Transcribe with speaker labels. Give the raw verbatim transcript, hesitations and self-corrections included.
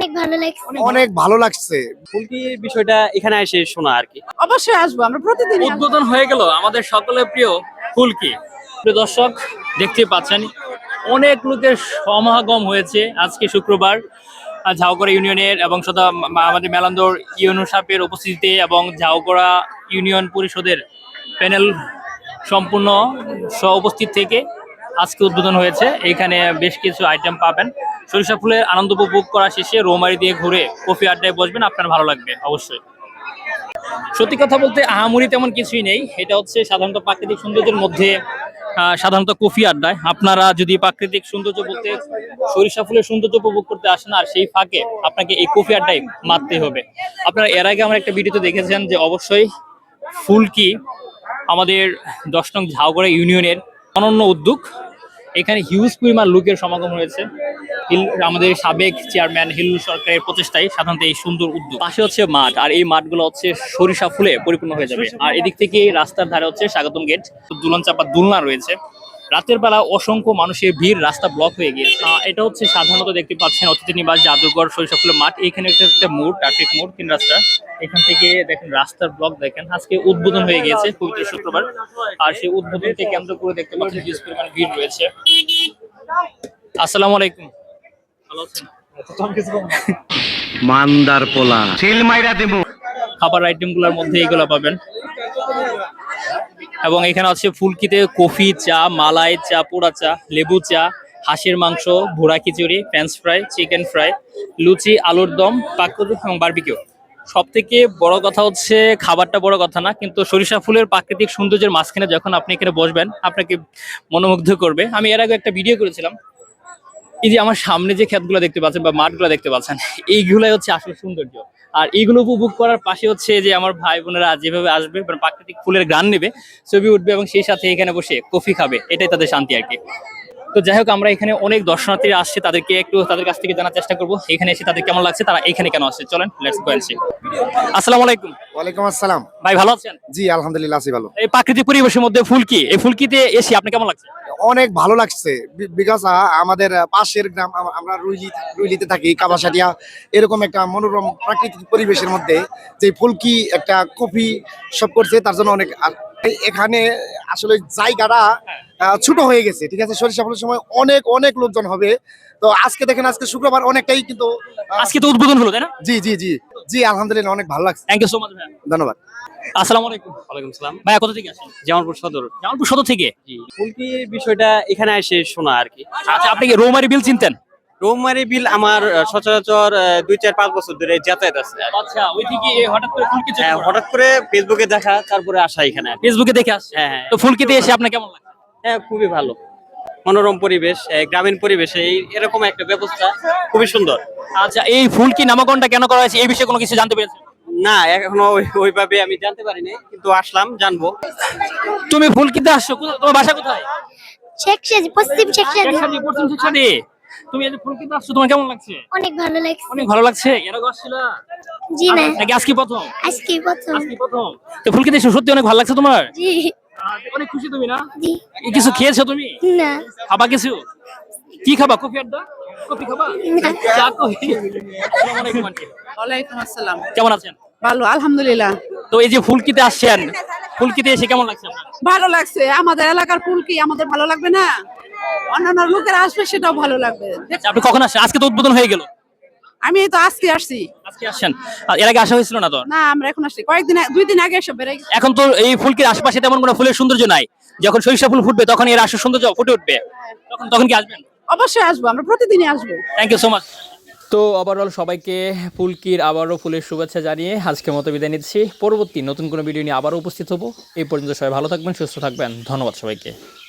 Speaker 1: অনেক ভালো লাগছে।
Speaker 2: অনেক ভালো লাগছে।
Speaker 3: ফুলকির বিষয়টা এখানে এসে শোনা আর কি।
Speaker 4: অবশ্যই আসবো, আমরা প্রতিদিন
Speaker 5: উদ্বোধন হয়ে গেল আমাদের সকলের প্রিয় ফুলকি। প্রিয় দর্শক, দেখতেই পাচ্ছেন অনেক লোকের সমাগম হয়েছে আজকে শুক্রবার ঝাউগড়া ইউনিয়নের এবং সদা আমাদের মেলান্দর ইউনিয়ন সাপের উপস্থিতিতে এবং ঝাউগড়া ইউনিয়ন পরিষদের প্যানেল সম্পূর্ণ সহ উপস্থিত থেকে আজকে উদ্বোধন হয়েছে। এখানে বেশ কিছু আইটেম পাবেন। সরিষা ফুলের আনন্দ উপভোগ করা শেষে রৌমারি দিয়ে ঘুরে কফি আড্ডায় বসবেন, আপনার ভালো লাগবে অবশ্যই। সত্যি কথা বলতে আহামরি তেমন কিছুই নেই। এটা হচ্ছে সাধারণত প্রাকৃতিক সৌন্দর্যের মধ্যে সাধারণত কফি আড্ডায় আপনারা যদি প্রাকৃতিক সৌন্দর্য বলতে সরিষা ফুলের সৌন্দর্য উপভোগ করতে আসেন আর সেই ফাঁকে আপনাকে এই কফি আড্ডায় মারতে হবে। আপনারা এর আগে আমার একটা ভিডিওতে দেখেছেন যে অবশ্যই ফুলকি আমাদের দশ নং ঝাউগড়া ইউনিয়নের অনন্য উদ্যোগ। এখানে হিউজ পরিমাণ লোকের সমাগম হয়েছে। আমাদের সাবেক চেয়ারম্যান হিলুল সরকারের প্রচেষ্টায় সাধারণত এই সুন্দর উদ্যোগ। পাশে হচ্ছে মাঠ, আর এই মাঠগুলো হচ্ছে সরিষা ফুলে পরিপূর্ণ হয়ে যাবে। আর এদিক থেকে রাস্তার ধারে হচ্ছে স্বাগতম গেট, দুলন চাপা দোলনা রয়েছে। রাতের বেলা অসংখ্য মানুষের ভিড়, রাস্তা ব্লক হয়ে গিয়েছে। এটা হচ্ছে সাধারণত দেখতে পাচ্ছেন অতিথি নিবাস জাদুঘর সরিষা ফুলের মাঠ। এখানে একটা একটা মোড়, ট্রাফিক মোড়, তিন রাস্তা। এখান থেকে দেখেন রাস্তার ব্লক দেখেন। আজকে উদ্বোধন হয়ে গিয়েছে পবিত্র শুক্রবার, আর সেই উদ্বোধনকে কেন্দ্র করে দেখতে পাচ্ছেন হিউজ পরিমাণ ভিড় রয়েছে। আসসালামু আলাইকুম, ভালো আছেন?
Speaker 6: মান্দার পোলা সিল মাইরা দেবো।
Speaker 5: খাবার আইটেম গুলোর মধ্যে এগুলো পাবেন। এবং এখানে আছে ফুলকিতে কফি, চা, মালাই চা, পোড়া চা, লেবু চা, হাঁসের মাংস, ভুড়া খিচুড়ি, ফ্রেঞ্চ ফ্রাই, চিকেন ফ্রাই, লুচি, আলুর দম, পাকুড়ি এবং বারবিকিউ। সব থেকে বড় কথা হচ্ছে খাবারটা বড় কথা না, কিন্তু সরিষা ফুলের প্রাকৃতিক সৌন্দর্যের মাঝখানে যখন আপনি এখানে বসবেন আপনাকে মনোমুগ্ধ করবে। আমি এর আগে একটা ভিডিও করেছিলাম। এই যে আমার সামনে যে ক্ষেতগুলো দেখতে পাচ্ছেন বা মাঠগুলো দেখতে পাচ্ছেন, এইগুলাই হচ্ছে আসলে সৌন্দর্য। আর এইগুলো উপভোগ করার পাশে হচ্ছে যে আমার ভাই বোনেরা যেভাবে আসবে প্রাকৃতিক ফুলের গান নেবে, ছবি উঠবে এবং সেই সাথে এখানে বসে কফি খাবে, এটাই তাদের শান্তি আর কি। তো যাই হোক, আমরা এখানে অনেক দর্শনার্থীরা আসছে, তাদেরকে একটু তাদের কাছ থেকে জানার চেষ্টা করবো এখানে এসে তাদের কেমন লাগছে, তারা এখানে কেন আসছে। চলেন লেটস গো এন্ড সি। আসসালামু আলাইকুম।
Speaker 2: ওয়ালাইকুম আসসালাম।
Speaker 5: ভাই ভালো আছেন?
Speaker 2: জি আলহামদুলিল্লাহ আছি ভালো।
Speaker 5: এই প্রাকৃতিক পরিবেশের মধ্যে ফুলকি, এই ফুলকিতে এসে আপনি কেমন লাগছে?
Speaker 2: অনেক ভালো লাগছে, বিকজ আমাদের পাশের গ্রাম, আমরা রুইলি রুইলিতে থাকি, কাবাসাটিয়া, এরকম একটা মনোরম প্রাকৃতিক পরিবেশের মধ্যে যে ফুলকি একটা কফি সব করছে, তার জন্য অনেক। এখানে আসলে জায়গাটা ছোট হয়ে গেছে, ঠিক আছে। সরিষা ফুলের সময় অনেক অনেক লোকজন হবে। তো আজকে দেখেন, আজকে শুক্রবার, অনেকটাই কিন্তু
Speaker 5: আজকে তো উদ্বোধন হলো, তাই না?
Speaker 2: জি জি জি জি আলহামদুলিল্লাহ অনেক ভালো লাগছে।
Speaker 5: থ্যাংক ইউ সো মাচ ভাই,
Speaker 2: ধন্যবাদ।
Speaker 5: আসসালামু আলাইকুম।
Speaker 3: ওয়ালাইকুম সালাম।
Speaker 5: ভাইয়া কোথা থেকে আসেন?
Speaker 3: জামালপুর সদর।
Speaker 5: জামালপুর সদর থেকে?
Speaker 3: জি, ফুলকির বিষয়টা এখানে এসে শোনা আর কি।
Speaker 5: আচ্ছা, আপনি কি রৌমারি বিল চিনতেন?
Speaker 3: রৌমারি বিল আমার আহ, সচরাচর আহ, দুই চার পাঁচ বছর ধরে যাতায়াত আছে।
Speaker 5: আচ্ছা, ওই থেকে হঠাৎ করে ফুলকি চোখে
Speaker 3: হ্যাঁ,
Speaker 5: পড়া?
Speaker 3: হঠাৎ করে ফেসবুকে দেখা, তারপরে আসা এখানে।
Speaker 5: ফেসবুকে দেখে আসছে?
Speaker 3: হ্যাঁ হ্যাঁ
Speaker 5: তো ফুলকিতে এসে আপনার কেমন লাগে?
Speaker 3: হ্যাঁ, খুবই ভালো, মনোরম পরিবেশ, আহ, গ্রামীণ পরিবেশে এই এরকম একটা ব্যবস্থা খুবই সুন্দর।
Speaker 5: আচ্ছা, এই ফুলকি নামকরণটা কেন করা হয়েছে এই বিষয়ে কোনো কিছু জানতে পেরেছেন?
Speaker 3: না, এখনো ওই- ওইভাবে আমি জানতে পারিনি, কিন্তু আসলাম, জানবো।
Speaker 5: তুমি ফুলকিতে আসছো, কোথা- তোমার বাসা কোথায়?
Speaker 1: শেখসাদি, পশ্চিম শেখসাদি।
Speaker 5: শেখসাদি, পশ্চিম শেখসাদি। তুমি এই যে ফুলকিতে আসছো, তোমার কেমন লাগছে?
Speaker 1: অনেক ভালো লাগছে।
Speaker 5: অনেক ভালো লাগছে। এর আগে আসছিলা
Speaker 1: জি না,
Speaker 5: নাকি আজকে প্রথম?
Speaker 1: আজকে প্রথম।
Speaker 5: আজকে প্রথম। তো ফুলকিতে এসে সত্যি অনেক ভালো লাগছে তোমার?
Speaker 1: জি
Speaker 5: আচ্ছা, অনেক খুশি তুমি না?
Speaker 1: জি
Speaker 5: এই কিছু খেয়েছো তুমি?
Speaker 1: না,
Speaker 5: খাবা কিছু? কি খাবা? কফি আড্ডা? কফি খাবা? চা, কফি? আসসালামু আলাইকুম আন্টি।
Speaker 4: ওয়ালাইকুম আসসালাম।
Speaker 5: কেমন আছেন?
Speaker 4: ভালো আলহামদুলিল্লাহ।
Speaker 5: তো এই যে ফুলকিতে আসছেন, ফুলকিতে এসে কেমন লাগছে আপনার?
Speaker 4: ভালো লাগছে, আমাদের এলাকার ফুলকি আমাদের ভালো লাগবে না? অন্যান্য লোকেরা আসবে, সেটাও ভালো লাগবে।
Speaker 5: আচ্ছা, আপনি কখন আসছেন? আজকে তো উদ্বোধন হয়ে গেল।
Speaker 4: আমি এই তো আজকে আসছি।
Speaker 5: আজকে আসছেন? আর এর আগে আসা হয়েছিল না তো?
Speaker 4: না, আমরা এখন আসছি, কয়েকদিন আগে- দুই দিন আগে এসে বেড়ে গেছি।
Speaker 5: এখন তো এই ফুলকির আশেপাশে তেমন কোনো ফুলের সৌন্দর্য নাই। যখন সরিষা ফুল ফুটবে তখন এর আসল সৌন্দর্য ফুটে উঠবে। তখন তখন কি আসবেন?
Speaker 4: অবশ্যই আসবো, আমরা প্রতিদিনই আসবো।
Speaker 5: Thank you so much. তো ওভারঅল সবাইকে ফুলকির আবারও ফুলের শুভেচ্ছা জানিয়ে আজকের মতো বিদায় নিচ্ছি। পরবর্তী নতুন কোনো ভিডিও নিয়ে আবারও উপস্থিত হবো। এই পর্যন্ত সবাই ভালো থাকবেন, সুস্থ থাকবেন। ধন্যবাদ সবাইকে।